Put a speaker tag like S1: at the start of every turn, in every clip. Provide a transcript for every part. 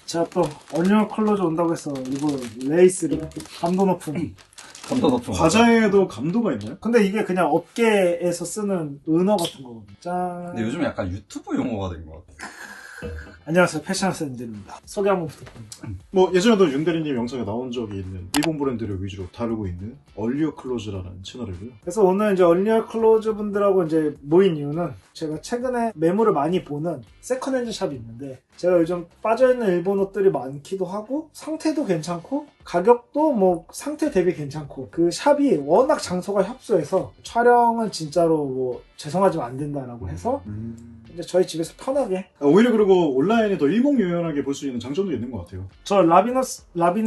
S1: 제가 또 얼리얼 컬러즈 온다고 해서 이거 레이스를 감도 높은
S2: 과자에도 감도가 있나요?
S1: 근데 이게 그냥 업계에서 쓰는 은어 같은 거거든요. 짠.
S3: 근데 요즘 약간 유튜브 용어가 된 것 같아요.
S1: 안녕하세요, 패션센들입니다. 소개 한번 부탁드립니다.
S2: 뭐 예전에도 윤대리님 영상에 나온 적이 있는 일본 브랜드를 위주로 다루고 있는 얼리어 클로즈라는 채널이고요.
S1: 그래서 오늘 이제 얼리얼 클로즈 분들하고 이제 모인 이유는 제가 최근에 매물을 많이 보는 세컨핸드 샵이 있는데 제가 요즘 빠져있는 일본 옷들이 많기도 하고 상태도 괜찮고 가격도 뭐 상태 대비 괜찮고 그 샵이 워낙 장소가 협소해서 촬영은 진짜로 뭐 죄송하지만 안 된다라고 해서 이제 저희 집에서 편하게
S2: 오히려 그리고 온라인에 더 일목요연하게 볼 수 있는 장점도 있는 것 같아요.
S1: 저 라비너스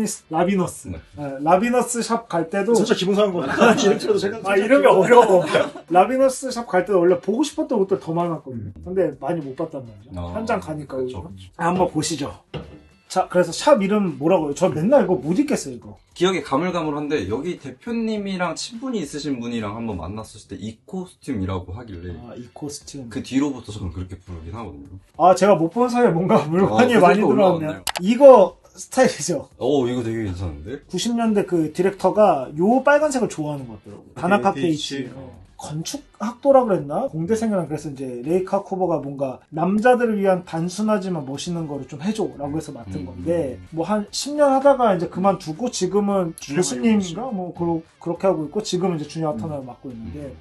S3: 네.
S1: 라비너스 샵 갈 때도
S2: 살짝 기분 상한 거 같아요. 이름 들어도 제가
S1: 이름이 어려워. 라비너스 샵 갈 때도 원래 보고 싶었던 옷들 더 많았거든요. 근데 많이 못 봤단 말이죠. 현장 가니까 오히려. 한번 보시죠. 자, 그래서 샵 이름 뭐라고요? 저 맨날 이거 못 읽겠어요, 이거.
S3: 기억이 가물가물한데 여기 대표님이랑 친분이 있으신 분이랑 한번 만났을 때 이 코스튬이라고 하길래
S1: 아, 이 코스튬.
S3: 그 뒤로부터 저는 그렇게 부르긴 하거든요.
S1: 아, 제가 못 본 사이에 뭔가 물건이 많이
S3: 그래도
S1: 들어왔네요.
S3: 올라왔네요.
S1: 이거 스타일이죠.
S3: 이거 되게 괜찮은데?
S1: 90년대 그 디렉터가 요 빨간색을 좋아하는 것 같더라고요. 다나카 페이치. 건축학도라 그랬나? 공대생이랑 그래서 이제 레이카 쿠버가 뭔가 남자들을 위한 단순하지만 멋있는 거를 좀 해줘라고 해서 맡은 건데 뭐 한 10년 하다가 이제 그만두고 지금은 교수님인가? 뭐 그렇게 하고 있고 지금은 이제 주니어 아타나를 맡고 있는데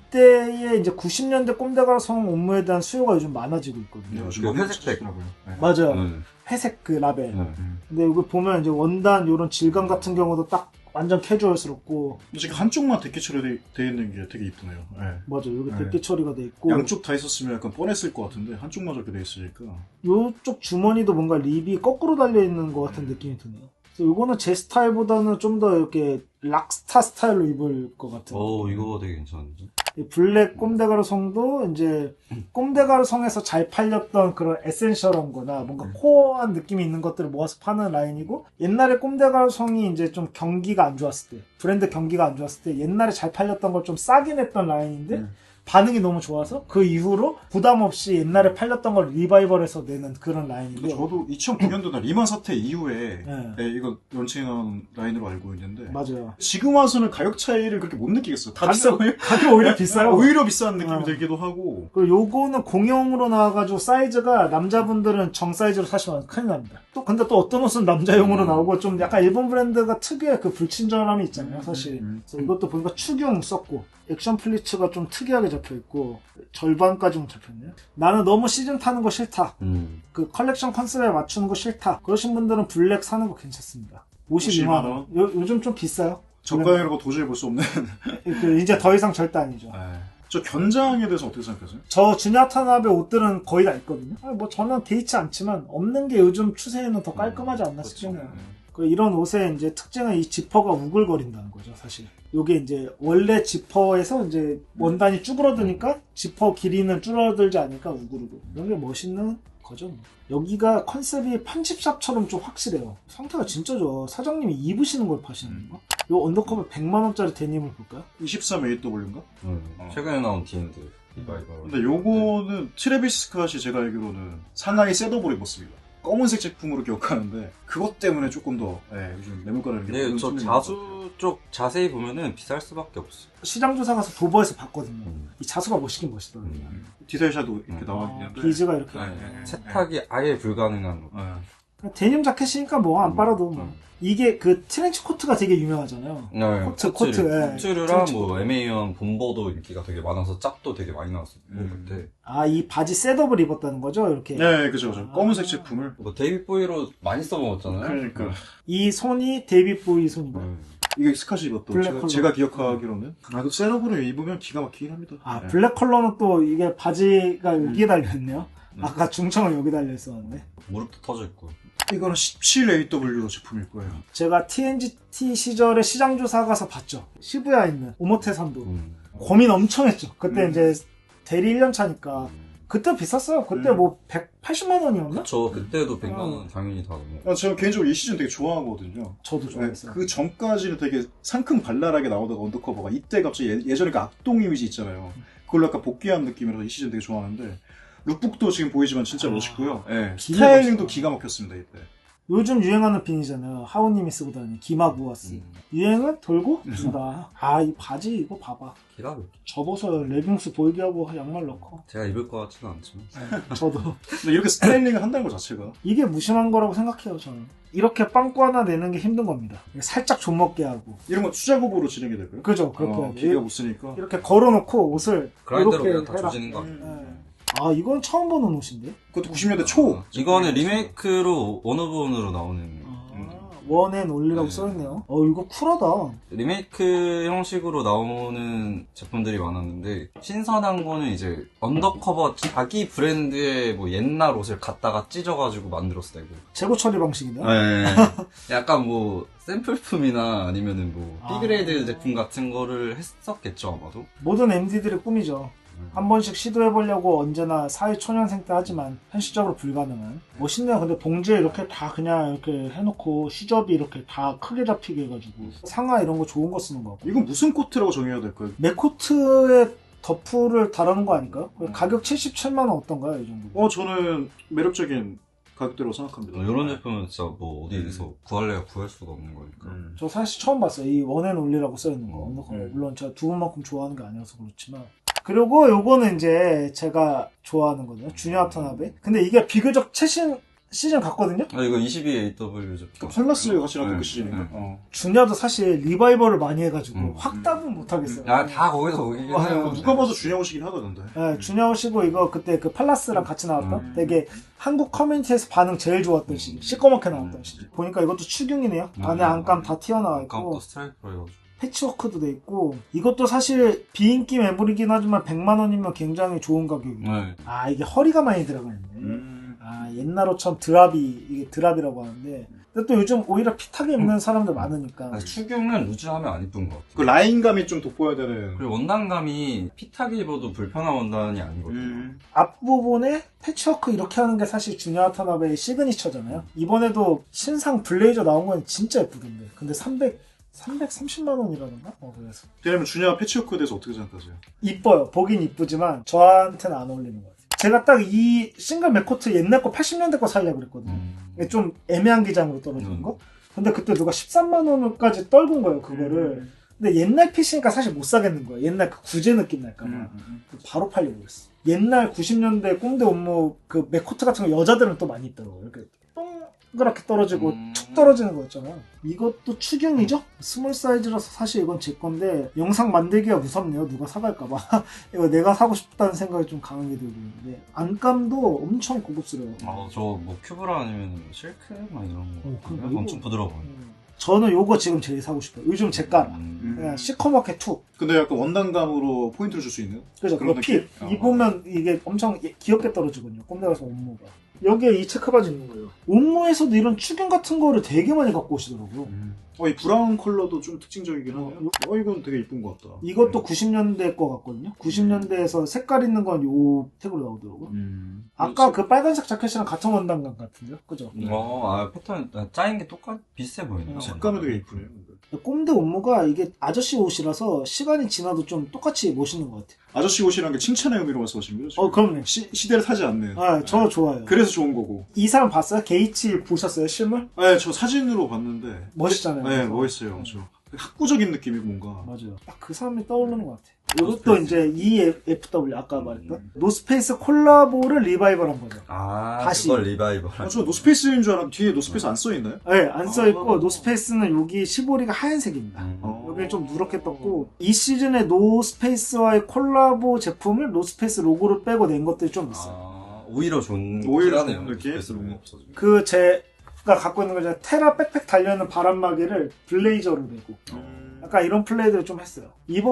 S1: 이때의 이제 90년대 꼼데가성 업무에 대한 수요가 요즘 많아지고 있거든요.
S3: 그 회색색.
S2: 네.
S1: 맞아요. 회색 그 라벨. 근데 여기 보면 이제 원단 요런 질감 같은 경우도 딱 완전 캐주얼스럽고
S2: 지금 한쪽만 데끼 처리되어 있는 게 되게 이쁘네요. 네.
S1: 맞아요. 여기
S2: 네.
S1: 데끼 처리가 돼 있고
S2: 양쪽 다 있었으면 약간 뻔했을 것 같은데 한쪽만 저렇게 돼 있으니까
S1: 요쪽 주머니도 뭔가 립이 거꾸로 달려있는 것 같은 느낌이 드네요. 그래서 요거는 제 스타일보다는 좀 더 이렇게 락스타 스타일로 입을 것 같아요.
S3: 이거 되게 괜찮은데?
S1: 이 블랙 꼼데가르성도 이제 꼼데가르성에서 잘 팔렸던 그런 에센셜한 거나 뭔가 코어한 느낌이 있는 것들을 모아서 파는 라인이고 옛날에 꼼데가르성이 이제 좀 경기가 안 좋았을 때 브랜드 경기가 안 좋았을 때 옛날에 잘 팔렸던 걸 좀 싸게 냈던 라인인데 반응이 너무 좋아서 그 이후로 부담 없이 옛날에 팔렸던 걸 리바이벌해서 내는 그런 라인이고요.
S2: 저도 2009년도 리만 사태 이후에
S1: 네.
S2: 이거 런칭한 라인으로 알고 있는데
S1: 맞아요.
S2: 지금 와서는 가격 차이를 그렇게 못 느끼겠어요. 다 비싸요.
S1: 가격 오히려 비싸요.
S2: 오히려 비싼 느낌이 들기도 하고.
S1: 그리고 요거는 공용으로 나와가지고 사이즈가 남자분들은 정 사이즈로 사시면 큰일 납니다. 근데 또 어떤 옷은 남자용으로 나오고 좀 약간 일본 브랜드가 특유의 그 불친절함이 있잖아요, 사실. 그래서 이것도 보니까 축용 썼고 액션 플리츠가 좀 특이하게 잡혀있고 절반까지는 잡혔네요. 나는 너무 시즌 타는 거 싫다. 그 컬렉션 컨셉에 맞추는 거 싫다. 그러신 분들은 블랙 사는 거 괜찮습니다. 52만 원. 요즘 좀 비싸요.
S2: 저가이라고 도저히 볼 수 없는.
S1: 이제 더 이상 절대 아니죠.
S2: 저 견장에 대해서 어떻게 생각하세요?
S1: 저 주니어 타나베 옷들은 거의 다 있거든요. 뭐 저는 개의치 않지만 없는 게 요즘 추세에는 더 깔끔하지 않나 싶네요. 이런 옷의 이제 특징은 이 지퍼가 우글거린다는 거죠, 사실. 요게 이제 원래 지퍼에서 이제 원단이 쭈그러드니까 지퍼 길이는 줄어들지 않으니까 우그르고 이런 게 멋있는 거죠. 여기가 컨셉이 편집샵처럼 좀 확실해요. 상태가 진짜 좋아. 사장님이 입으시는 걸 파시는 건가? 요 언더커버 100만원짜리 데님을 볼까요?
S2: 23AW인가?
S3: 최근에 나온 D&D 리바이벌.
S2: 근데 요거는 트래비스 스캇이 제가 알기로는 상하이 셋업을 입었습니다. 검은색 제품으로 기억하는데 그것 때문에 조금 더 요즘 매물가를
S3: 네, 저 자수 쪽 자세히 보면은 비쌀 수밖에 없어.
S1: 시장 조사 가서 도버에서 봤거든요. 이 자수가 멋있긴 멋있더라고요.
S2: 디테일샷도 이렇게 나와 있는데
S1: 비즈가 이렇게
S3: 세탁이 아예 불가능한
S1: 데님 자켓이니까 뭐 안 빨아도 뭐. 이게 그 트렌치 코트가 되게 유명하잖아요. 코트.
S3: 코트류랑 뭐 에메이언 본보도 인기가 되게 많아서 짭도 되게 많이 나왔어요. 그때.
S1: 이 바지 셋업을 입었다는 거죠, 이렇게.
S2: 네, 그죠. 검은색 제품을.
S3: 뭐 데이빗 보이로 많이 써먹었잖아요.
S2: 그러니까.
S1: 이 손이 데이빗 보이 손인가요?
S2: 이게 스카시 입었던 제가 기억하기로는. 그 셋업으로 입으면 기가 막히긴 합니다.
S1: 블랙 컬러는 또 이게 바지가 여기에 달려있네요. 아까 중청은 여기 달려있었는데.
S3: 무릎도 터져있고.
S2: 이거는 17AW 제품일 거예요.
S1: 제가 TNGT 시절에 시장조사 가서 봤죠. 시부야에 있는 오모테산도. 고민 엄청 했죠. 그때 이제 대리 1년 차니까. 그때 비쌌어요. 그때 뭐 180만 원이었나?
S3: 그쵸. 그때도 100만 원 당연히 다 넘어.
S2: 제가 개인적으로 이 시즌 되게 좋아하거든요.
S1: 저도 좋아했어요.
S2: 그 전까지는 되게 상큼 발랄하게 나오다가 언더커버가 이때 갑자기 예전에 그 악동 이미지 있잖아요. 그걸로 약간 복귀한 느낌이라서 이 시즌 되게 좋아하는데 룩북도 지금 보이지만 진짜 멋있고요. 스타일링도 기가 막혔습니다 이때.
S1: 요즘 유행하는 핀이잖아요. 하우님이 쓰고 다니는 기마구아스. 유행을 돌고 준다. 아, 이 바지 이거 봐봐.
S3: 기가 막혀.
S1: 접어서 레깅스 보이게 하고 양말 넣고.
S3: 제가 입을 것 같지는 않지만.
S1: 저도.
S2: 근데 이렇게 스타일링을 한다는 것 자체가
S1: 이게 무심한 거라고 생각해요, 저는. 이렇게 빵꾸 하나 내는 게 힘든 겁니다. 살짝 좀먹게 하고.
S2: 이런 건 투작업으로 진행이 될까요?
S1: 그죠, 그렇게 해야지.
S2: 기계가 못 쓰니까.
S1: 이렇게 걸어놓고 옷을
S3: 그라인더로
S1: 이렇게
S3: 그냥 다
S1: 해라.
S3: 조지는 거 같아요.
S1: 네. 아, 이건 처음 보는 옷인데?
S2: 그것도 90년대 초.
S3: 이거는 리메이크로 원 오브 원으로 나오는
S1: 원앤 올리라고
S3: 네.
S1: 써있네요. 이거 쿨하다.
S3: 리메이크 형식으로 나오는 제품들이 많았는데 신선한 거는 이제 언더커버 자기 브랜드의 뭐 옛날 옷을 갖다가 찢어가지고 만들었을 때고
S1: 재고 처리 방식이네요.
S3: 네. 약간 뭐 샘플품이나 아니면은 뭐
S1: 아.
S3: B그레이드 제품 같은 거를 했었겠죠 아마도.
S1: 모든 MD들의 꿈이죠. 한 번씩 시도해보려고 언제나 사회초년생 때 하지만 현실적으로 불가능한. 멋있네요. 근데 봉지에 이렇게 다 그냥 이렇게 해놓고 시접이 이렇게 다 크게 잡히게 해가지고 상하 이런 거 좋은 거 쓰는 거 같고.
S2: 이건 무슨 코트라고 정해야 될까요?
S1: 맥코트에 더프를 달아놓은 거 아닐까요? 가격 77만원 어떤가요? 이 정도.
S2: 저는 매력적인 가격대라고 생각합니다.
S3: 이런 제품은 진짜 뭐 어디에서 구할래야 구할 수가 없는 거니까.
S1: 저 사실 처음 봤어요. 이 원앤 올리라고 써있는 거. 물론 제가 두 분만큼 좋아하는 게 아니어서 그렇지만. 그리고 요거는 이제 제가 좋아하는 거든요. 주니어 타나베. 근데 이게 비교적 최신 시즌 같거든요.
S3: 이거 22AW 제품.
S2: 팔라스 같이 나왔던 그
S3: 네.
S2: 시즌인가?
S1: 주니어도 사실 리바이벌을 많이 해가지고 확 답은 못하겠어요.
S3: 다 거기서 거기긴 해요.
S2: 누가 봐도 준영 옷이긴 하던데.
S1: 네, 주니어 오시고 이거 그때 그 팔라스랑 같이 나왔던 되게 한국 커뮤니티에서 반응 제일 좋았던 시즌. 시꺼멓게 나왔던 시즌. 보니까 이것도 추경이네요. 안에 안감 다 튀어나와 있고.
S3: 아까부터 스트라이프로 해가지고.
S1: 패치워크도 돼 있고. 이것도 사실 비인기 매물이긴 하지만 100만원이면 굉장히 좋은 가격이에요.
S3: 네.
S1: 아, 이게 허리가 많이 들어가 있네. 아, 옛날 옷처럼 이게 드랍이라고 하는데. 근데 또 요즘 오히려 핏하게 입는 사람들 많으니까.
S3: 추경은 루즈하면 안 이쁜 것 같아요.
S2: 그 라인감이 좀 돋보여야 되는.
S3: 그리고 원단감이 핏하게 입어도 불편한 원단이 아니거든요.
S1: 앞부분에 패치워크 이렇게 하는 게 사실 주니어 와타나베의 시그니처잖아요. 이번에도 신상 블레이저 나온 건 진짜 예쁘던데. 근데 330만원이라던가? 그래서.
S2: 왜냐면 준영 패치워크에 대해서 어떻게 생각하세요?
S1: 이뻐요. 보긴 이쁘지만 저한테는 안 어울리는 것 같아요. 제가 딱 이 싱글 맥코트 옛날 거 80년대 거 살려고 그랬거든요. 좀 애매한 기장으로 떨어지는 거. 근데 그때 누가 13만원까지 떨군 거예요, 그거를. 근데 옛날 핏이니까 사실 못 사겠는 거예요. 옛날 그 구제 느낌 날까봐. 바로 팔려고 그랬어. 옛날 90년대 꼼대 옷무 그 맥코트 같은 거 여자들은 또 많이 입더라고요. 이렇게 동그랗게 떨어지고 툭 떨어지는 거 있잖아요. 이것도 추경이죠? 스몰 사이즈라서 사실 이건 제 건데 영상 만들기가 무섭네요. 누가 사갈까봐. 이거 내가 사고 싶다는 생각이 좀 강하게 들고 있는데 안감도 엄청 고급스러워요.
S3: 저 뭐 큐브라 아니면 실크 막 이런 거
S1: 그러니까
S3: 엄청 부드러워.
S1: 저는 요거 지금 제일 사고 싶어요. 요즘 제가 그냥 시커멓게 툭.
S2: 근데 약간 원단감으로 포인트를 줄 수 있는?
S1: 그죠.
S2: 그런
S1: 그 핏.
S2: 느낌?
S1: 입으면 이게 엄청 귀엽게 떨어지거든요. 꼼대 가서 옷무가. 여기에 이 체크바지 있는 거예요. 옷무에서도 이런 추경 같은 거를 되게 많이 갖고 오시더라고요.
S2: 이 브라운 컬러도 좀 특징적이긴 하네요. 이건 되게 이쁜 것 같다.
S1: 이것도 90년대 거 같거든요. 90년대에서 색깔 있는 건 요 택으로 나오더라고요. 아까 그 빨간색 자켓이랑 같은 원단감 같은데요? 그죠?
S3: 패턴 짜인 게 비슷해 보이네요.
S2: 색감이 되게 이쁘네요.
S1: 꼼대 옷무가 이게 아저씨 옷이라서 시간이 지나도 좀 똑같이 멋있는 것 같아요.
S2: 아저씨 옷이라는 게 칭찬의 의미로 말씀하시는 거죠?
S1: 그럼요.
S2: 시대를 타지 않는.
S1: 저 좋아요.
S2: 그래서 좋은 거고.
S1: 이 사람 봤어요? 게이치 보셨어요? 실물?
S2: 네, 저 사진으로 봤는데.
S1: 멋있잖아요.
S2: 네, 멋있어요. 학구적인 느낌이고 뭔가.
S1: 맞아요. 딱 그 사람이 떠오르는 것 같아요. 이것도 이제 EFW 아까 말했던 노스페이스 콜라보를 리바이벌한 거죠. 다시.
S3: 그걸 리바이벌.
S2: 저 노스페이스인 줄 알았는데 뒤에 노스페이스 안 써있나요?
S1: 네, 안 써있고 노스페이스는 여기 시보리가 하얀색입니다. 여기 좀 누렇게 떴고 이 시즌에 노스페이스와의 콜라보 제품을 노스페이스 로고를 빼고 낸 것들이 좀 있어요.
S3: 오히려 좋은
S2: 오히려
S3: 하네요.
S2: 좋은 느낌?
S3: 노스페이스 로고 없어지고.
S1: 그 제가 갖고 있는 거 이제 테라 백팩 달려있는 바람막이를 블레이저로 내고 약간 이런 플레이들을 좀 했어요.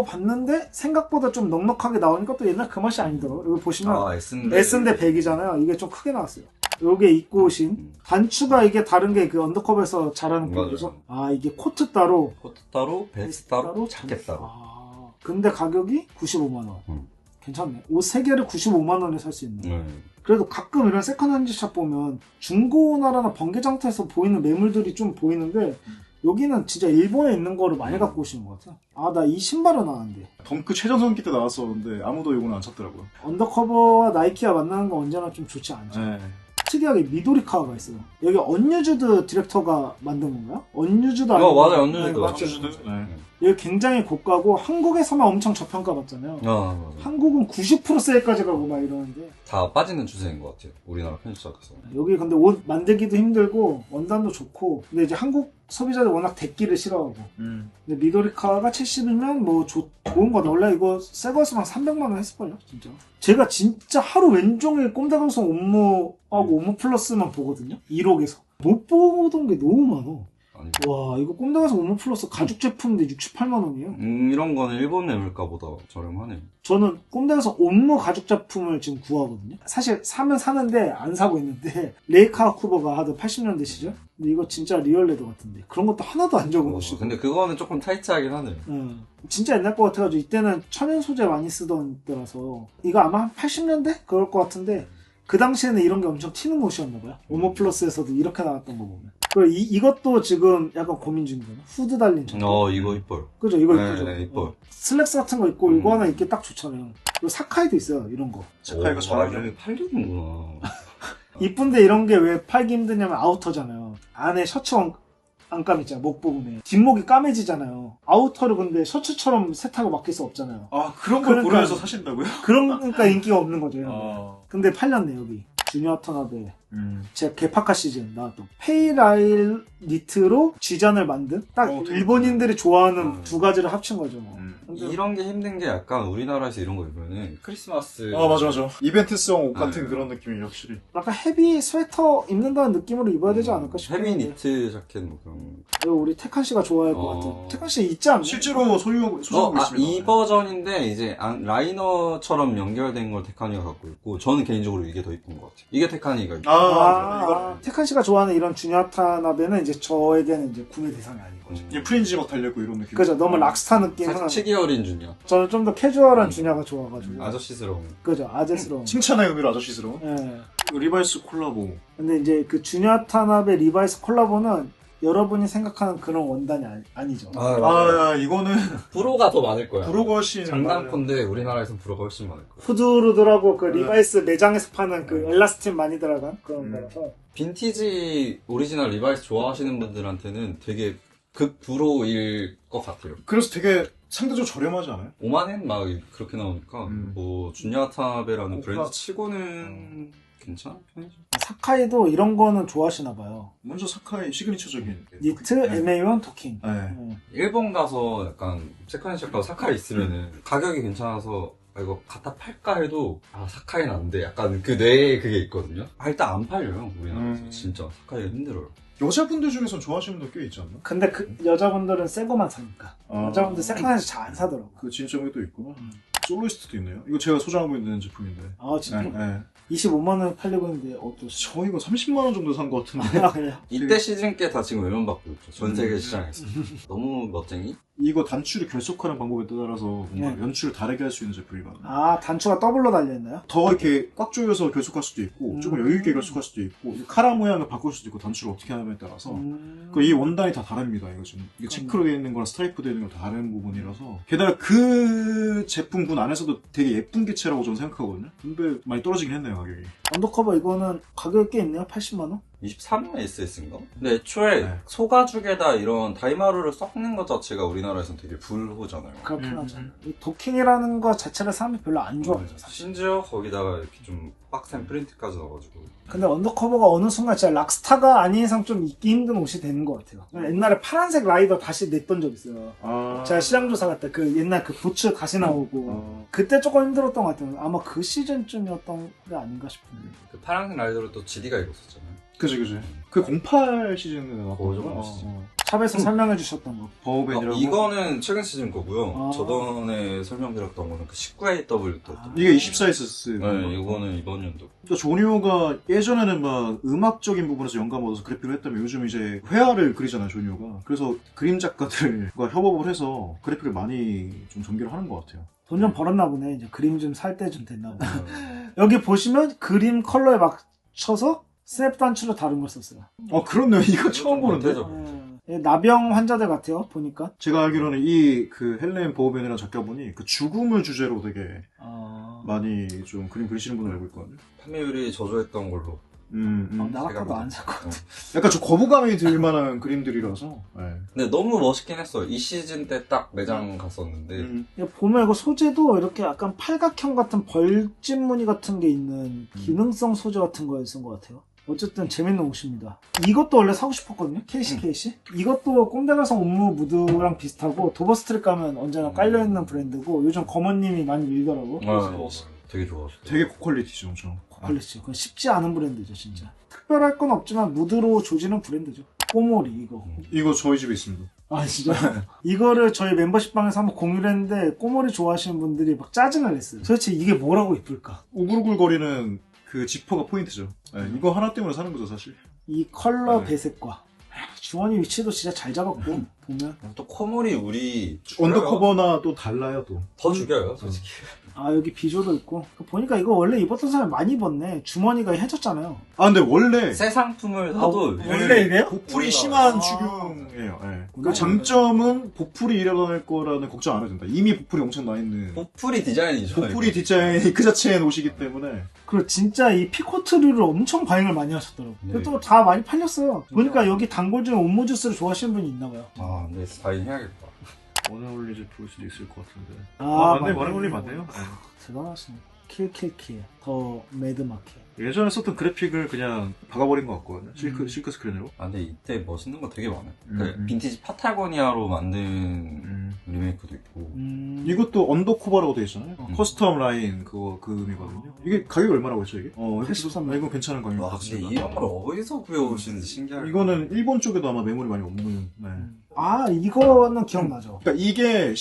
S1: 입어봤는데 생각보다 좀 넉넉하게 나오니까 또 옛날 그 맛이 아니더라고요. 여기 보시면 S인데 100이잖아요. 이게 좀 크게 나왔어요. 요게 입고 오신 단추가 이게 다른 게 그 언더커버에서 잘하는 거죠. 이게 코트 따로
S3: 베스트 따로 자켓 따로.
S1: 근데 가격이 95만원. 괜찮네. 옷 3개를 95만원에 살 수 있네. 그래도 가끔 이런 세컨핸드 샵 보면 중고나라나 번개장터에서 보이는 매물들이 좀 보이는데 여기는 진짜 일본에 있는 거를 많이 갖고 오시는 것 같아. 나 이 신발은 아는데.
S2: 덩크 최전성기 때 나왔었는데 아무도 이거는 안 찾더라고요.
S1: 언더커버와 나이키와 만나는 건 언제나 좀 좋지 않죠.
S2: 네.
S1: 특이하게 미도리카가 있어요. 여기 언유주드 디렉터가 만든 건가요? 언유주드
S3: 맞아요. 언유주드.
S1: 네, 맞죠.
S2: 네.
S1: 여기 굉장히 고가고 한국에서만 엄청 저평가받잖아요.
S3: 맞아.
S1: 한국은 90% 세일까지 가고 막 이러는데
S3: 다 빠지는 추세인 것 같아요. 우리나라 편집사에서.
S1: 여기 근데 옷 만들기도 힘들고 원단도 좋고 근데 이제 한국 소비자들 워낙 데끼를 싫어하고 근데 미도리카가 70이면 뭐 좋은 거다. 원래 이거 새 거였으면 300만 원 했을걸요 진짜. 제가 진짜 하루 왼종일 꼼다방송 업무하고 업무 플러스만 보거든요. 1억에서 못 보던 게 너무 많아.
S3: 아니,
S1: 와 이거 꼼다방에서 업무 플러스 가죽 제품인데 68만 원이에요.
S3: 이런 거는 일본 매물가보다 저렴하네요.
S1: 저는 꼼다에서 업무 가죽 제품을 지금 구하거든요. 사실 사면 사는데 안 사고 있는데 레이카 쿠버가 하던 80년대 시절? 근데 이거 진짜 리얼 레더 같은데 그런 것도 하나도 안 적은 것이고.
S3: 근데 그거는 조금 타이트하긴 하네요.
S1: 진짜 옛날 거 같아가지고 이때는 천연 소재 많이 쓰던 때라서 이거 아마 한 80년대? 그럴 것 같은데 그 당시에는 이런 게 엄청 튀는 옷이었나봐요. 오모 플러스에서도 이렇게 나왔던 거 보면. 그리고 이것도 지금 약간 고민 중이거든요. 후드 달린 저거.
S3: 이거 이뻐요.
S1: 그죠? 이거
S3: 네,
S1: 이쁘죠?
S3: 네, 이뻐요.
S1: 슬랙스 같은 거 있고 이거 하나 입기 딱 좋잖아요. 그리고 사카이도 있어요. 이런 거.
S2: 사카이가 잘하죠.
S3: 여기 팔리는구나.
S1: 이쁜데 이런 게 왜 팔기 힘드냐면 아우터잖아요. 안에 셔츠 안감 있잖아요. 목 부분에. 뒷목이 까매지잖아요. 아우터를 근데 셔츠처럼 세탁을 맡길 수 없잖아요.
S2: 아, 그런 걸
S1: 그러니까-
S2: 고려해서 사신다고요?
S1: 그러니까 인기가 없는 거죠. 근데 팔렸네 여기. 주니어 터나베. 제 개파카 시즌 나왔던 페이라일 니트로 쥐잔을 만든 딱
S2: 되게
S1: 일본인들이 좋아하는 두 가지를 합친 거죠. 근데
S3: 이런 게 힘든 게 약간 우리나라에서 이런 거 입으면은 크리스마스.
S2: 아, 맞아. 이벤트성 옷 같은 그런 느낌이 확실히.
S1: 약간 헤비 스웨터 입는다는 느낌으로 입어야 되지 않을까 싶은데.
S3: 헤비 니트 자켓 뭐 그런 거.
S1: 이거 우리 태칸 씨가 좋아할 것 같아. 태칸 씨 있지 않나요?
S2: 실제로 소유하고 있습니다.
S3: 이 버전인데 이제 라이너처럼 연결된 걸 테카니가 갖고 있고 저는 개인적으로 이게 더 이쁜 것 같아요. 이게 테카니가
S2: 이거
S1: 태칸 씨가 좋아하는 이런 주니아타나베는 이제 저에게는 이제 구매 대상이 아닌 거죠.
S2: 이게 프린지 막 달렸고 이런 느낌.
S1: 그죠? 너무 락스타 느낌은
S3: 살짝 치기 어린 주니어.
S1: 저는 좀 더 캐주얼한 주니아가 좋아가지고.
S3: 아저씨스러운.
S1: 그죠? 아재스러운.
S2: 칭찬의 의미로 아저씨스러운.
S1: 예.
S2: 리바이스 콜라보.
S1: 근데 이제 그 주니아타나베 리바이스 콜라보는 여러분이 생각하는 그런 원단이 아니죠.
S2: 이거는
S3: 불호가 더 많을 거야.
S2: 브로거 훨씬
S3: 장난컨대 우리나라에선 불호가 훨씬 많을 거야.
S1: 후드루드라고 그 리바이스 매장에서 파는 그 엘라스틴 많이 들어간 그런 거라서.
S3: 빈티지 오리지널 리바이스 좋아하시는 분들한테는 되게 극불호일 것 같아요.
S2: 그래서 되게 상대적으로 저렴하지 않아요?
S3: 5만엔 막 그렇게 나오니까 뭐 준야타베라는 브랜드
S2: 고가.
S3: 치고는 괜찮은 편이죠.
S1: 사카이도 이런 거는 좋아하시나 봐요.
S2: 먼저 사카이 시그니처적인
S1: 니트,
S2: 네.
S1: MA1, 도킹.
S2: 네.
S3: 일본 가서 약간 세컨핸드 가서 사카이 있으면은 가격이 괜찮아서 이거 갖다 팔까 해도 사카이는 안 돼. 약간 그 뇌에 그게 있거든요. 일단 안 팔려요 우리나라에서. 진짜 사카이가 힘들어요.
S2: 여자분들 중에선 좋아하시는 분들 꽤 있지 않나?
S1: 근데 그 여자분들은 새 거만 사니까. 여자분들 세컨핸드 잘 안 사더라고.
S2: 그 진점이 또 있구나. 솔로이스트도 있네요. 이거 제가 소장하고 있는 제품인데.
S1: 아 진짜?
S2: 네.
S1: 25만 원 팔리고 있는데 어떠시죠?
S2: 저 이거 30만 원 정도 산 것 같은데.
S1: 아 그래요?
S3: 이때 시즌 께 다 지금 외면받고 있죠. 전 세계 시장에서. 너무 멋쟁이?
S2: 이거 단추를 결속하는 방법에 따라서 뭔가
S1: 네.
S2: 연출을 다르게 할 수 있는 제품이거든요.
S1: 아 단추가 더블로 달려있나요?
S2: 더 이렇게 꽉 조여서 결속할 수도 있고 조금 여유있게 결속할 수도 있고 카라 모양을 바꿀 수도 있고 단추를 어떻게 하냐에 따라서 이 원단이 다 다릅니다. 이거 지금 이게 체크로 되어 있는 거랑 스트라이프 되어 있는 건 다 다른 부분이라서 게다가 그 제품군 안에서도 되게 예쁜 개체라고 저는 생각하거든요. 근데 많이 떨어지긴 했네요 가격이.
S1: 언더커버 이거는 가격이 꽤 있네요. 80만 원?
S3: 23만 SS인가? 근데 애초에
S2: 네.
S3: 소가죽에다 이런 다이마루를 섞는 것 자체가 우리나라에서는 되게 불호잖아요.
S1: 그렇긴 하죠. 이 도킹이라는 거 자체를 사람이 별로 안 좋아하죠. 사실.
S3: 심지어 거기다가 이렇게 좀 빡센 프린트까지 넣어가지고.
S1: 근데 언더커버가 어느 순간 진짜 락스타가 아닌 이상 좀 입기 힘든 옷이 되는 것 같아요. 옛날에 파란색 라이더 다시 냈던 적 있어요. 제가 시장조사 갈 때 그 옛날 그 부츠 다시 나오고 그때 조금 힘들었던 것 같아요. 아마 그 시즌쯤이었던 게 아닌가 싶은데.
S3: 그 파란색 라이더를 또 GD가 입었었잖아요.
S2: 그지. 그 08 시즌에 나왔던
S3: 그거
S2: 거.
S3: 시즌.
S1: 샵에서 설명해 주셨던 거.
S2: 버우벤이라고.
S3: 이거는 최근 시즌 거고요.
S1: 아.
S3: 저번에 설명드렸던 거는 그 19AW 또.
S2: 이게 24SS.
S3: 네, 이거는 이번 연도.
S2: 그러니까 조니오가 예전에는 막 음악적인 부분에서 영감 얻어서 그래픽을 했다면 요즘 이제 회화를 그리잖아요, 조니오가. 그래서 그림 작가들과 협업을 해서 그래픽을 많이 좀 전개를 하는 것 같아요.
S1: 돈 좀 벌었나 보네. 이제 그림 좀 살 때 좀 됐나 보네. 여기 보시면 그림 컬러에 맞춰서 스냅 단추로 다른 걸 썼어요.
S2: 그렇네요. 이거 처음 보는데.
S1: 나병 환자들 같아요, 보니까.
S2: 제가 알기로는 이 그 헬렌 버우벤이라는 작가분이 그 죽음을 주제로 되게 많이 좀 그림 그리시는 분을 알고 있거든요.
S3: 판매율이 저조했던 걸로
S1: 나 같아도 안 살 것 같아.
S2: 약간 좀 거부감이 들 만한 그림들이라서. 네.
S3: 근데 너무 멋있긴 했어. 이 시즌 때 딱 매장 갔었는데.
S1: 보면 이거 소재도 이렇게 약간 팔각형 같은 벌집 무늬 같은 게 있는 기능성 소재 같은 거에 쓴 것 같아요. 어쨌든 재밌는 옷입니다. 이것도 원래 사고 싶었거든요. KC. 이것도 꼼데가성 옴무 무드랑 비슷하고 도버스트랩 가면 언제나 깔려있는 브랜드고 요즘 검은님이 많이 밀더라고.
S3: 되게 좋았어.
S2: 되게 고퀄리티죠, 엄청.
S1: 고퀄리티. 그건 쉽지 않은 브랜드죠, 진짜. 특별할 건 없지만 무드로 조지는 브랜드죠. 꼬모리 이거.
S2: 이거 저희 집에 있습니다.
S1: 아 진짜? 이거를 저희 멤버십방에서 한번 공유를 했는데 꼬모리 좋아하시는 분들이 막 짜증을 냈어요. 도대체 이게 뭐라고 이쁠까?
S2: 우글우글거리는 그 지퍼가 포인트죠. 네, 이거 하나 때문에 사는 거죠, 사실.
S1: 이 컬러 배색과 주머니 위치도 진짜 잘 잡았고 보면
S3: 또 코모리 우리
S2: 언더커버나 또 달라요, 또.
S3: 더 죽여요, 솔직히.
S1: 아 여기 비조도 있고 보니까 이거 원래 입었던 사람이 많이 입었네. 주머니가 해졌잖아요.
S2: 아 근데 원래
S3: 새 상품을 사도
S1: 원래 이래요?
S2: 보풀이 심한 추경이에요. 네. 그 장점은 보풀이 일어날 거라는 걱정 안 해도 된다. 이미 보풀이 엄청 나 있는.
S3: 보풀이 디자인이죠.
S2: 보풀이 디자인이 그 자체의 옷이기 때문에.
S1: 그리고 진짜 이 피코트류를 엄청 반응을 많이 하셨더라고.
S3: 네.
S1: 또 다 많이 팔렸어요. 보니까 여기 단골 중에 옴무주스를 좋아하시는 분이 있나봐요.
S3: 아, 근데 스타일 해야겠다.
S2: 원어울리지 볼 수도 있을 것 같은데.
S1: 맞네.
S2: 원어울리 맞네요.
S1: 대단하시네. 킬킬킬. 더 매드마켓.
S2: 예전에 썼던 그래픽을 그냥 박아버린 것 같거든요. 실크 스크린으로.
S3: 아, 근데 이때 멋있는 거 되게 많아요. 그
S2: 음.
S3: 빈티지 파타고니아로 만든 리메이크도 있고.
S2: 이것도 언더커버라고 되어 있잖아요. 커스텀 라인 그 음이거든요. 이게 가격이 얼마라고 했죠, 이게?
S1: 83만.
S2: 이거 괜찮은 가격인 것
S3: 와, 근데
S2: 같습니다.
S3: 이런 걸 어디서 구해오시는지 신기하게.
S2: 이거는 일본 쪽에도 아마 매물이 많이 없는. 네.
S1: 아 이거는 기억나죠.
S2: 그러니까 이게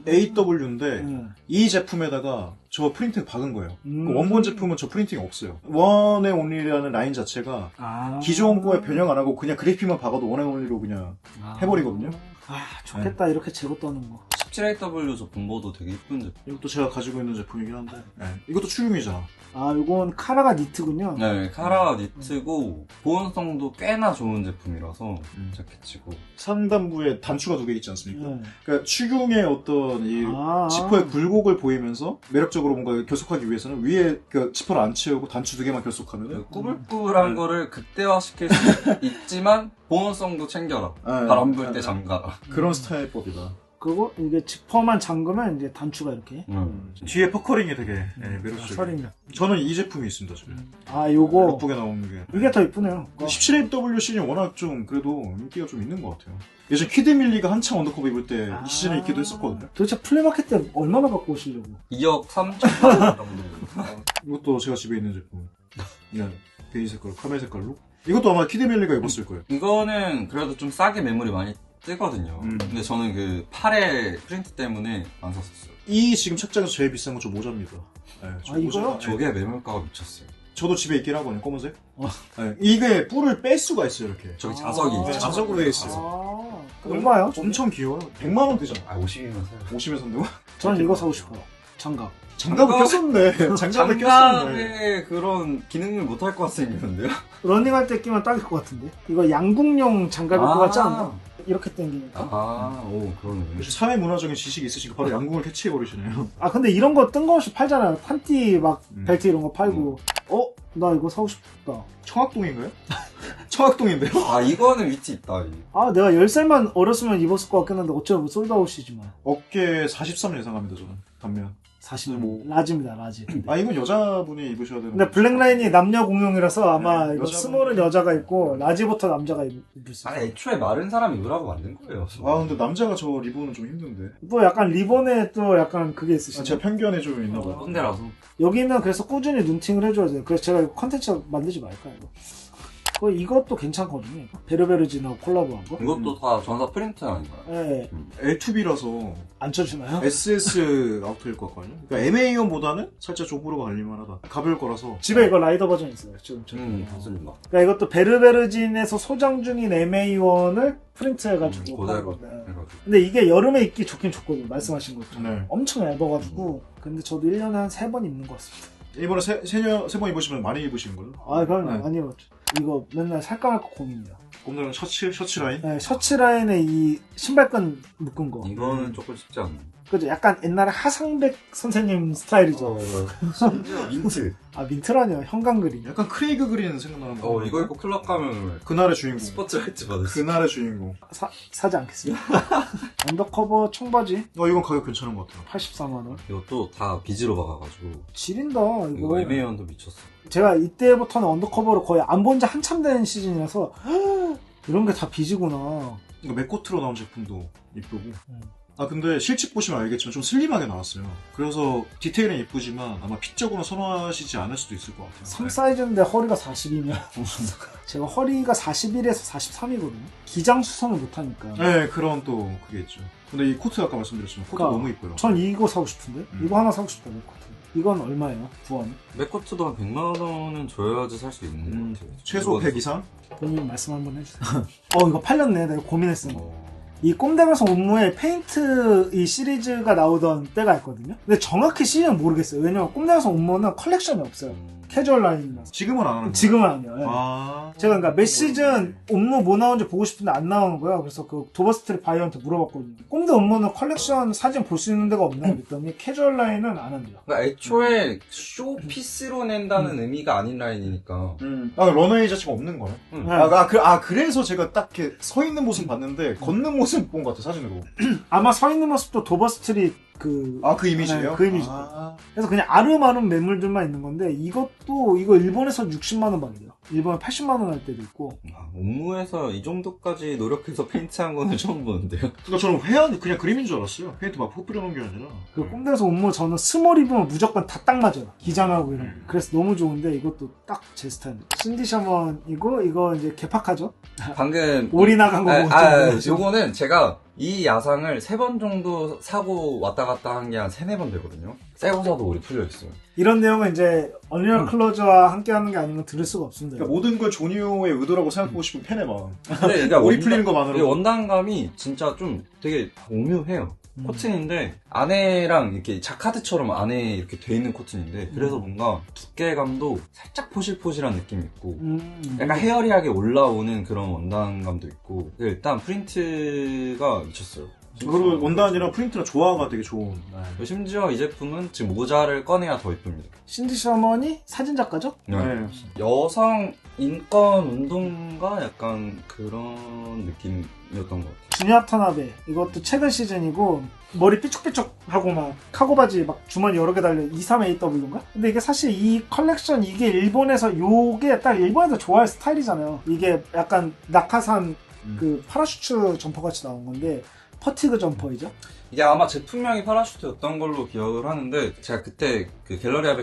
S2: 10AW인데
S1: 네.
S2: 이 제품에다가 저 프린팅 박은 거예요.
S1: 음.
S2: 그 원본 제품은 저 프린팅이 없어요. 원앤 온리라는 라인 자체가
S1: 아.
S2: 기존 거에 변형 안 하고 그냥 그래픽만 박아도 원앤 온리로 그냥 해버리거든요.
S1: 아 좋겠다 이렇게 재고 떠는 거.
S3: 17AW 저 분보도 되게 이쁜 제품.
S2: 이것도 제가 가지고 있는 제품이긴 한데 이것도 추용이잖아.
S1: 아 이건 카라가 니트군요.
S3: 네, 카라 니트고 보온성도 꽤나 좋은 제품이라서 자켓치고.
S2: 상단부에 단추가 2개 있지 않습니까?
S1: 네.
S2: 그러니까 추경의 어떤 이 지퍼의 굴곡을 보이면서 매력적으로 뭔가 결속하기 위해서는 위에 그 지퍼를 안 채우고 단추 2개만 결속하면은
S3: 꾸불꾸불한 거를 극대화시킬 수 있지만 보온성도 챙겨라. 바람 불 때 잠가라.
S2: 그런 스타일법이다.
S1: 그리고 이게 지퍼만 잠그면 이제 단추가 이렇게.
S2: 뒤에 퍼커링이 되게 매력적이에요.
S1: 설이냐.
S2: 저는 이 제품이 있습니다, 지금.
S1: 아 요거
S2: 예쁘게 나오는 게.
S1: 이게 더 이쁘네요.
S2: 17AW 시즌이 워낙 좀 그래도 인기가 좀 있는 것 같아요. 예전 키드밀리가 한창 언더커버 입을 때 이 시즌에 입기도 했었거든요.
S1: 도대체 플리마켓 때 얼마나 갖고 오시려고?
S3: 2억 3천 정도.
S2: 이것도 제가 집에 있는 제품. 그냥 베이지 색깔, 카멜 색깔로. 이것도 아마 키드밀리가 입었을 거예요.
S3: 이거는 그래도 좀 싸게 매물이 많이 뜨거든요. 근데 저는 그 팔의 프린트 때문에 안 샀었어요.
S2: 이 지금 책장에서 제일 비싼 건 저 모자입니다. 네, 저
S1: 이거요?
S3: 저게 매물가가 미쳤어요.
S2: 저도 집에 있긴 하거든요, 검은색. 네, 이게 뿔을 뺄 수가 있어요, 이렇게.
S3: 저기 자석이 있죠.
S2: 자석으로 돼 있어요.
S1: 아 얼마요?
S2: 엄청 귀여워요. 100만 원 되잖아.
S3: 50이면 사요.
S2: 50에 산다고?
S1: 저는 이거 사고 싶어요. 장갑.
S2: 장갑을 꼈었네. 장갑을 꼈었네.
S3: 장갑에 그런 기능을 못할 것 같이 생겼는데요?
S1: 러닝할 때 끼면 딱일 것 같은데. 이거 양궁용 장갑일 것 같지 않나? 이렇게 당기니까.
S3: 오, 그러네.
S2: 사회 문화적인 지식이 있으시니까 바로 양궁을 캐치해버리시네요.
S1: 아 근데 이런 거 뜬금없이 팔잖아요. 판티 막 벨트 이런 거 팔고. 나 이거 사고 싶다.
S2: 청학동인가요? 청학동인데요?
S3: 아, 이거는 위치 있다.
S1: 아 내가 10살만 어렸으면 입었을 것 같긴 한데 어쩌면 솔드아웃이지만.
S2: 어깨 43 예상합니다, 저는. 반면.
S1: 40 라지입니다, 라지.
S2: 아, 이건 여자분이 입으셔야 되는
S1: 근데 블랙라인이 남녀 공용이라서 아마 이거
S2: 여자분.
S1: 스몰은 여자가 입고 라지부터 남자가 입을 수 있어요.
S3: 애초에 마른 사람이 입으라고 만든 거예요.
S2: 아, 근데 남자가 저 리본은 좀 힘든데.
S1: 또 약간 리본에 또 약간 그게 있으시죠.
S2: 제가 편견에 좀 있나 봐요.
S3: 꼰대라서.
S1: 여기는 그래서 꾸준히 눈팅을 해줘야 돼요. 그래서 제가 이거 컨텐츠 만들지 말까 이거. 이것도 괜찮거든요. 베르베르진하고 콜라보한 거.
S3: 이것도 다 전사 프린트 아닌가요?
S1: 네.
S2: L2B라서
S1: 안 쳐주나요?
S2: SS 아우터일 것 같거든요. 그러니까 MA1보다는 살짝 족보로가 갈릴만하다. 가벼울 거라서.
S1: 집에 이거 라이더 버전 있어요. 지금 저기.
S3: 맞습니다.
S1: 그러니까 이것도 베르베르진에서 소장 중인 MA1을 프린트해가지고.
S3: 고대로
S1: 네.
S3: 해가지고.
S1: 근데 이게 여름에 입기 좋긴 좋거든요. 말씀하신 것처럼.
S2: 네.
S1: 엄청 얇아가지고. 근데 저도 1년에 한 3번 입는 것 같습니다.
S2: 이번에 세 번 입으시면 많이 입으시는 걸로?
S1: 아, 그럼요.
S2: 네.
S1: 아니요. 이거 맨날 살까 말까 고민이야.
S2: 꼼짝은 셔츠 라인?
S1: 네, 셔츠 라인에 이 신발끈 묶은 거.
S3: 이거는 조금 쉽지 않네.
S1: 그죠? 약간 옛날에 하상백 선생님 스타일이죠.
S3: 심지어 민트.
S1: 아 민트라니요. 형광 그린.
S2: 약간 크레이그 그린 생각나는 거.
S3: 이거 입고 클럽 가면
S2: 그날의 주인공.
S3: 스포트라이트 받을 수 있어.
S2: 그날의 주인공.
S1: 사지 않겠습니다. 언더커버 청바지
S2: 이건 가격 괜찮은 것 같아요.
S1: 84만원.
S3: 이것도 다 비즈로 박아가지고
S1: 지린다 이거.
S3: 이거 애매한도 미쳤어.
S1: 제가 이때부터는 언더커버를 거의 안 본 지 한참 된 시즌이라서 이런 게 다 비지구나.
S2: 이거 맥코트로 나온 제품도 이쁘고. 근데 실측 보시면 알겠지만 좀 슬림하게 나왔어요. 그래서 디테일은 예쁘지만 아마 핏적으로 선호하시지 않을 수도 있을 것 같아요.
S1: 3 사이즈인데 허리가 40이면 제가 허리가 41에서 43이거든요. 기장 수선을 못하니까.
S2: 네, 그런 또 그게 있죠. 근데 이 코트 아까 말씀드렸지만 코트
S1: 그러니까
S2: 너무 이뻐요.
S1: 전 이거 사고 싶은데? 이거 하나 사고 싶다, 코트. 이건 얼마예요? 구원?
S3: 맥코트도 한 100만 원은 줘야지 살 수 있는 것 같아요.
S2: 최소 100 이상?
S1: 본인 말씀 한번 해주세요. 이거 팔렸네. 내가 고민했어. 이 꼼데가서 옴무에 페인트 이 시리즈가 나오던 때가 있거든요. 근데 정확히 시즌은 모르겠어요. 왜냐면 꼼데가서 옴무는 컬렉션이 없어요. 캐주얼 라인이라서.
S2: 지금은 안 하는 거예요?
S1: 지금은 아니에요. 네. 제가 그러니까 몇 시즌 옴무 뭐 나오는지 보고 싶은데 안 나오는 거야. 그래서 그 도버스트리 바이어한테 물어봤거든요. 꼼데 옴무는 컬렉션 사진 볼 수 있는 데가 없나 그랬더니 캐주얼 라인은 안 한대요.
S3: 그러니까 애초에 쇼피스로 낸다는 의미가 아닌 라인이니까.
S2: 러너웨이 자체가 없는 거네.
S1: 네.
S2: 그래서 제가 딱 이렇게 서 있는 모습 봤는데 걷는 모습 본 것 같아 사진으로.
S1: 아마 서 있는 모습도 도버스트리 그
S2: 이미지예요?
S1: 네, 그 이미지. 그래서 그냥 아름아름 매물들만 있는 건데 이거 일본에서 60만원 받이에요. 일본에 80만원 할 때도 있고.
S3: 옴무에서 이 정도까지 노력해서 페인트한 거는 처음 보는데요.
S2: 그러니까 저는 회한 그냥 그림인 줄 알았어요. 페인트 막 푹 뿌려놓은 게 아니라.
S1: 그 꼼데에서 옴무 저는 스몰 입으면 무조건 다 딱 맞아요. 기장하고 이런. 그래서 너무 좋은데 이것도 딱 제 스타일이에요. 신디 셔먼이고 이거 이제 개팍하죠?
S3: 방금
S1: 올이 나간 거 보고
S3: 요거는 제가 이 야상을 3번 정도 사고 왔다 갔다 한 게 한 3, 4번 되거든요. 새거 사도 올이 풀려있어요.
S1: 이런 내용은 이제 언리얼 클로저와 함께 하는 게 아니면 들을 수가 없습니다.
S2: 그러니까 모든 걸 조니오의 의도라고 생각하고 싶은 팬의 마음.
S3: 그러니까
S2: 올이 풀리는 것만으로.
S3: 원단감이 진짜 좀 되게 오묘해요. 코튼인데 안에랑 이렇게 자카드처럼 안에 이렇게 돼 있는 코튼인데 그래서 뭔가 두께감도 살짝 포실포실한 느낌이 있고 약간 헤어리하게 올라오는 그런 원단감도 있고 일단 프린트가 미쳤어요.
S2: 그리고 원단이랑 프린트랑 조화가 되게 좋은.
S3: 심지어 이 제품은 지금 모자를 꺼내야 더 이쁩니다.
S1: 신디 셔먼이 사진작가죠?
S2: 네.
S3: 여성 인권 운동가 약간 그런 느낌이었던 것 같아요.
S1: 주니아 타나베 이것도 최근 시즌이고 머리 삐죽삐죽하고 막 카고 바지 막 주머니 여러 개 달려 23AW인가? 근데 이게 사실 이 컬렉션 이게 일본에서 요게 딱 일본에서 좋아할 스타일이잖아요. 이게 약간 낙하산 그 파라슈트 점퍼 같이 나온 건데 퍼티그 점퍼이죠.
S3: 이게 아마 제품명이 파라슈트였던 걸로 기억을 하는데 제가 그때 그 갤러리아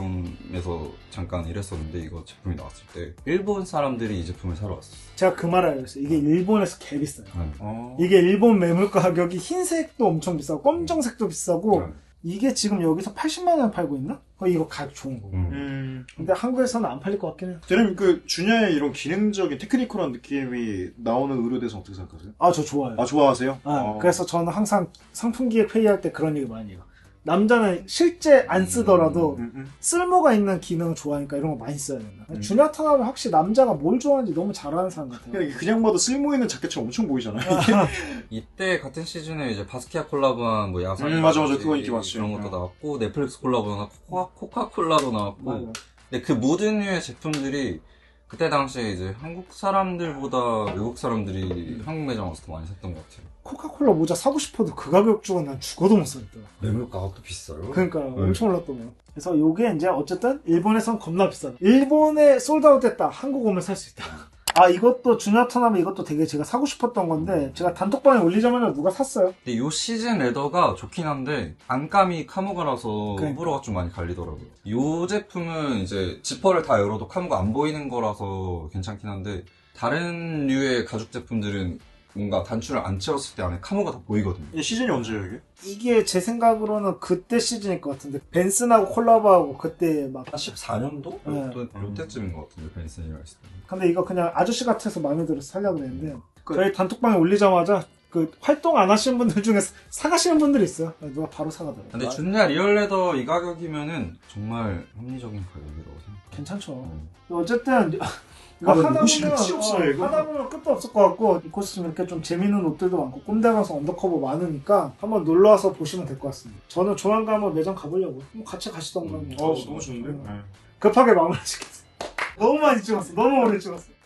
S3: 백화점에서 잠깐 일했었는데 이거 제품이 나왔을 때 일본 사람들이 이 제품을 사러 왔어요.
S1: 제가 그 말을 알고 있어요. 이게 일본에서 개 비싸요.
S3: 네.
S1: 이게 일본 매물 가격이 흰색도 엄청 비싸고 검정색도 비싸고 이게 지금 여기서 80만 원 팔고 있나? 이거 가격 좋은 거고. 근데 한국에서는 안 팔릴 것 같긴 해요.
S2: 저는 그 주니아의 이런 기능적인 테크니컬한 느낌이 나오는 의료에 대해서 어떻게 생각하세요?
S1: 저 좋아요.
S2: 좋아하세요?
S1: 그래서 저는 항상 상품기획 회의할 때 그런 얘기 많이 해요. 남자는 실제 안 쓰더라도 쓸모가 있는 기능 좋아하니까 이런 거 많이 써야 된다. 주니아 타나베 확실히 남자가 뭘 좋아하는지 너무 잘 아는 사람 같아요.
S2: 그냥 봐도 쓸모 있는 자켓처럼 엄청 보이잖아요.
S3: 이때 같은 시즌에 이제 바스키아 콜라보한 뭐 야상
S2: 맞아 그거 인기 많지.
S3: 이런 것도 나왔고 넷플릭스 콜라보나 코카콜라도 나왔고
S1: 맞아.
S3: 근데 그 모든 류의 제품들이 그때 당시에 이제 한국 사람들보다 외국 사람들이 한국 매장 와서 더 많이 샀던 것 같아요.
S1: 코카콜라 모자 사고 싶어도 그 가격 주고 난 죽어도 못 사겠더라.
S3: 매물 가격도 비싸요.
S1: 그러니까 엄청 올랐더라고요. 그래서 요게 이제 어쨌든 일본에선 겁나 비싸다. 일본에 솔드아웃 됐다. 한국 오면 살 수 있다. 이것도 주니아 타나베 이것도 되게 제가 사고 싶었던 건데 제가 단톡방에 올리자마자 누가 샀어요.
S3: 근데 요 시즌 레더가 좋긴 한데 안감이 카모가라서 호불호가 좀 많이 갈리더라고요. 요 제품은 이제 지퍼를 다 열어도 카모가 안 보이는 거라서 괜찮긴 한데 다른 류의 가죽 제품들은 뭔가 단추를 안 채웠을 때 안에 카모가 다 보이거든요.
S2: 이 시즌이 언제예요 이게?
S1: 이게 제 생각으로는 그때 시즌일 것 같은데 벤슨하고 콜라보하고 그때 막
S3: 14년도?
S1: 네.
S3: 요때쯤인 것 같은데 벤슨이랑 있을 때.
S1: 근데 이거 그냥 아저씨 같아서 마음에 들어서 살려고 했는데 저희 단톡방에 올리자마자 그 활동 안 하시는 분들 중에 사가시는 분들이 있어요. 누가 바로 사가더라고요.
S3: 근데 주니아 리얼레더 이 가격이면은 정말 합리적인 가격이라고 생각해요.
S1: 괜찮죠. 어쨌든 이거 하다 보면 끝도 없을 것 같고 이 코스튬 이렇게 좀 재밌는 옷들도 많고 꼼데 가서 언더커버 많으니까 한번 놀러와서 보시면 될 것 같습니다. 저는 조만간 한번 매장 가보려고. 같이 가시던가.
S2: 너무 좋은데?
S1: 급하게 마무리 시켰어. 너무 많이 찍었어. 너무 오래 찍었어.